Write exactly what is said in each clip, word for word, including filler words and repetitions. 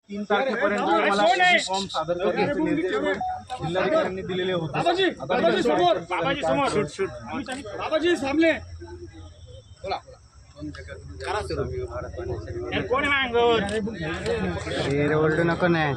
तीन तारखेपर्यंत मला फॉर्म सादर करण्याचे निर्देश जिल्हाधिकाऱ्यांनी दिलेले होते. बाबाजी सामने ओल्ड नको नाही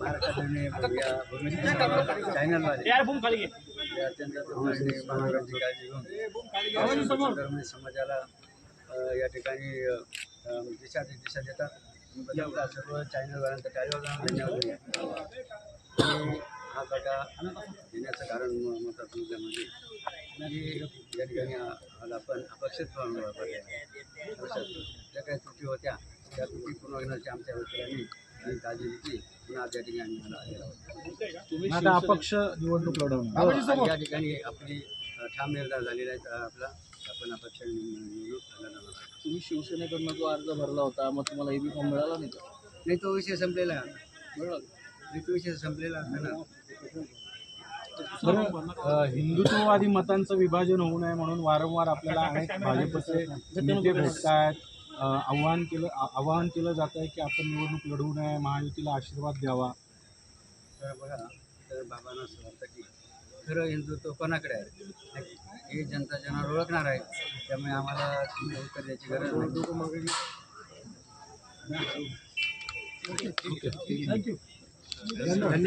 समाजाला या ठिकाणी दिशा दिशा देतात. सर्व चॅनलवाल्यांचा टाळीवाल्यांना धन्यवाद. हा काटा देण्याचं कारण महत्त्वाचं मुद्द्यामध्ये की या ठिकाणी आला पण अपेक्षित ज्या काही त्रुटी होत्या त्या त्रुटी पूर्ण होण्याची आमच्या वकिलांनी काळजी घेतली. पुन्हा त्या ठिकाणी आम्हाला आलेला होता. आता अपक्ष निवडणूक लढवणार या ठिकाणी आपली ठाम निर्धार झालेला आहे. आपला आपण अपक्ष निवडणूक लढवणार. तुम्ही शिवसेनेकडनं जो अर्ज भरला होता मग तुम्हाला एबी फॉर्म मिळाला नाही का? नाही, तो विषय संपलेला आहे. मिळाला नाही, तो विषय संपलेला आहे ना. बरं, हिंदुत्ववादी मतांचं विभाजन होऊ नये म्हणून वारंवार आपल्याला अनेक भाजपचे नेते भेटत आहेत. आव्हान केलं आवाहन केलं जात आहे की आपण निवडणूक लढवू नये, महायुतीला आशीर्वाद द्यावा. तर बघा, तर बाबांना असं वाटतं की खरं हिंदुत्व कोणाकडे आहे हे जनता जनावर ओळखणार आहे. त्यामुळे आम्हाला उत्तर द्यायची गरज नाही. थँक्यू.